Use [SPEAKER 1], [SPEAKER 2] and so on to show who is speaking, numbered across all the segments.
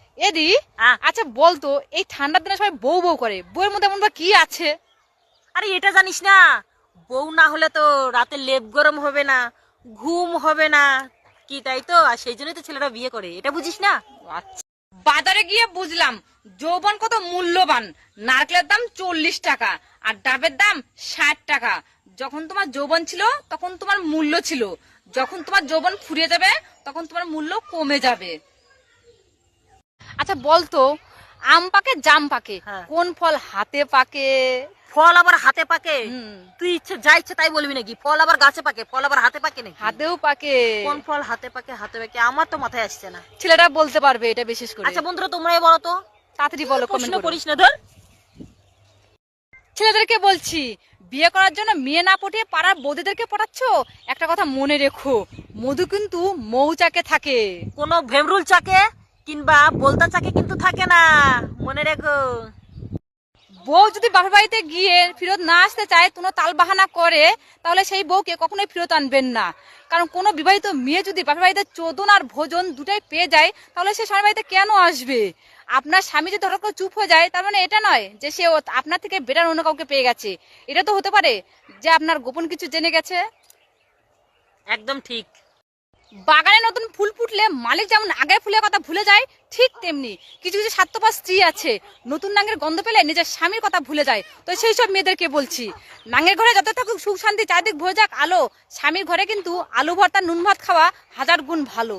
[SPEAKER 1] এদি আচ্ছা বলতো, এই ঠান্ডার দিনে সবাই বউ বউ করে, বউয়ের মধ্যে এমন বা কি আছে?
[SPEAKER 2] আরে এটা জানিস না, বউ না হলে তো রাতে লেপ গরম হবে না, ঘুম হবে না, কি তাই তো, আর সেই জন্যই তো ছেলেরা বিয়ে করে, এটা বুঝিস না?
[SPEAKER 1] আচ্ছা, বাজারে গিয়ে বুঝলাম যৌবন কত মূল্যবান। নারকেলের দাম 40 টাকা আর ডাবের দাম 60 টাকা। যখন তোমার যৌবন ছিল তখন তোমার মূল্য ছিল, যখন তোমার যৌবন ফুরিয়ে যাবে তখন তোমার মূল্য কমে যাবে। আচ্ছা বলতো, আম পাকে জাম পাকে,
[SPEAKER 2] হ্যাঁ।
[SPEAKER 1] কোন ফল হাতে পাকে?
[SPEAKER 2] ফল আবার হাতে পাকে?
[SPEAKER 1] হুম।
[SPEAKER 2] তুই যা ইচ্ছে তাই বলবি নাকি? ফল আবার গাছে পাকে, ফল আবার হাতে পাকে নাকি?
[SPEAKER 1] হাতেও পাকে।
[SPEAKER 2] কোন ফল হাতে পাকে? হাতে পাকে আমার তো মাথায় আসছে না।
[SPEAKER 1] ছেলেরা বলতে পারবে এটা বিশেষ করে।
[SPEAKER 2] আচ্ছা বন্ধুরা তোমরাই বলো তো।
[SPEAKER 1] তাড়াতাড়ি বলো,
[SPEAKER 2] প্রশ্ন
[SPEAKER 1] কমেন্ট করো।
[SPEAKER 2] করিস না ধর।
[SPEAKER 1] ছেলেদেরকে বলছি, বিয়ে করার জন্য মেয়ে না পটিয়ে পাড়ার বৌদিদেরকে পটাচ্ছ, একটা কথা মনে রেখো, মধু কিন্তু মৌচাকে থাকে।
[SPEAKER 2] কোনো ভেমরুল চাকে কিংবা বলতা চাকে কিন্তু থাকে না, মনে রেখো।
[SPEAKER 1] বউ যদি বাপের বাড়িতে গিয়ে ফেরত না আসতে চায়, কোনো তাল বাহানা করে, তাহলে সেই বউকে কখনোই ফেরত আনবেন না। কারণ কোনো বিবাহিত মেয়ে যদি বাপের বাড়িতে চোদন আর ভোজন দুটাই পেয়ে যায়, তাহলে সে স্বামীর বাড়িতে কেন আসবে? আপনার স্বামী যদি হঠাৎ করে চুপ হয়ে যায়, তার মানে এটা নয় যে সে আপনার থেকে বেটার অন্য কাউকে পেয়ে গেছে। এটা তো হতে পারে যে আপনার গোপন কিছু জেনে গেছে।
[SPEAKER 2] একদম ঠিক।
[SPEAKER 1] বাগানে নতুন ফুল ফুটলে মালিক যেমন আগে ফুলের কথা ভুলে যায়, ঠিক তেমনি কিছু কিছু স্বার্থপর স্ত্রী আছে, নতুন নাঙ্গের গন্ধ পেলে নিজের স্বামীর কথা ভুলে যায়। তো সেই সব মেয়েদেরকে বলছি, নাঙ্গের ঘরে যত থাকুক সুখ শান্তি, চারদিক ভরে যাক আলো, স্বামীর ঘরে কিন্তু আলু ভর্তা নুন ভাত খাওয়া 1000 গুণ ভালো।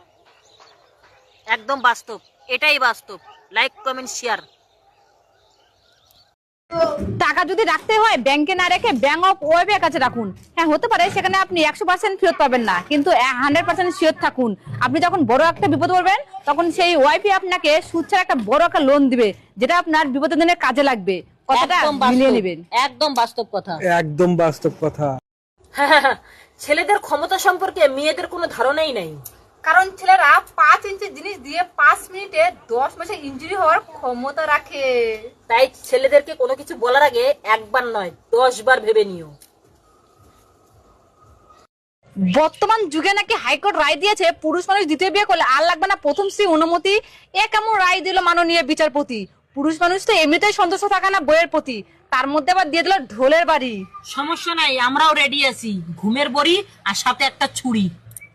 [SPEAKER 2] একদম বাস্তব, এটাই বাস্তব। Like comment share.
[SPEAKER 1] টাকা যদি রাখতে হয় ব্যাংকে না রেখে ব্যাংক অফ ওয়েবের কাছে রাখুন। হ্যাঁ হতে পারে সেখানে আপনি 100% ফেরত পাবেন না, কিন্তু 100% শিওর থাকুন, আপনি যখন বড় একটা বিপদ পড়বেন তখন সেই ওয়াইফি আপনাকে সুদ ছাড়া একটা বড় একটা লোন দিবে, যেটা আপনার বিপদের দিনে কাজে লাগবে। কথাটা
[SPEAKER 2] একদম
[SPEAKER 1] মিলিয়ে
[SPEAKER 2] বাস্তব,
[SPEAKER 1] নেবেন।
[SPEAKER 2] একদম বাস্তব কথা।
[SPEAKER 3] একদম বাস্তব কথা।
[SPEAKER 2] ছেলেদের ক্ষমতা সম্পর্কে মেয়েদের কোনো ধারণাই নাই।
[SPEAKER 1] কারণ ছেলেরা 5 ইঞ্চি জিনিস দিয়ে 5 মিনিটে 10 মাসে ইনজুরি হওয়ার ক্ষমতা রাখে।
[SPEAKER 2] তাই ছেলেদেরকে কোনো কিছু বলার আগে একবার নয় 10 বার ভেবে নিও।
[SPEAKER 1] বর্তমান যুগে নাকি হাইকোর্ট রায় দিয়েছে পুরুষ মানুষ দ্বিতীয় বিয়ে করলে আর লাগবে না প্রথম স্ত্রী অনুমতি। এ কেমন রায় দিল মাননীয় বিচারপতি? পুরুষ মানুষ তো এমনিতেই সন্তুষ্ট থাকে না বইয়ের প্রতি, তার মধ্যে আবার দিয়ে দিল ঢোলের বাড়ি।
[SPEAKER 2] সমস্যা নাই, আমরাও রেডি আছি, ঘুমের বড়ি আর সাথে একটা ছুরি।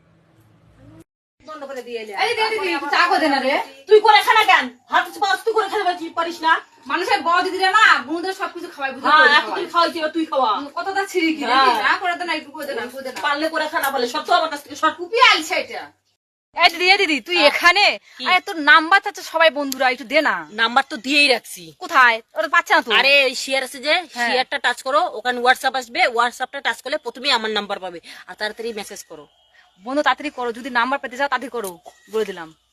[SPEAKER 2] তুই করে খানা কেন? হাত তুই করে খেতে পারিস না?
[SPEAKER 1] মানুষের বড় দিদিরা না বোনদের সবকিছু খাওয়াই বুঝে
[SPEAKER 2] এতদিন খাওয়াইছি, এবার তুই খাওয়া।
[SPEAKER 1] কতটা ছিড়ি কি না করে দেন, একটু করে দেন, করে দেন।
[SPEAKER 2] পারলে করে খানা বলে সব তো আমার কাছ থেকে শর্ট।
[SPEAKER 1] কুপি আলছে এটা। এই দিদি, এই দিদি তুই এখানে? আরে তোর নাম্বার চাচ্ছে সবাই বন্ধুরা, একটু দে না।
[SPEAKER 2] নাম্বার তো দিয়েই রাখছি।
[SPEAKER 1] কোথায়? ওরা পাচ্ছে না তো।
[SPEAKER 2] আরে শেয়ার আছে যে, শেয়ারটা টাচ করো, ওখানে হোয়াটসঅ্যাপ আসবে, হোয়াটসঅ্যাপটা টাচ করলে প্রথমেই আমার নাম্বার পাবে, আর তাড়াতাড়ি মেসেজ করো।
[SPEAKER 1] বন্ধু তাড়াতাড়ি করো, যদি নাম্বার পেতে চাও তাড়াতাড়ি করো, বলে দিলাম।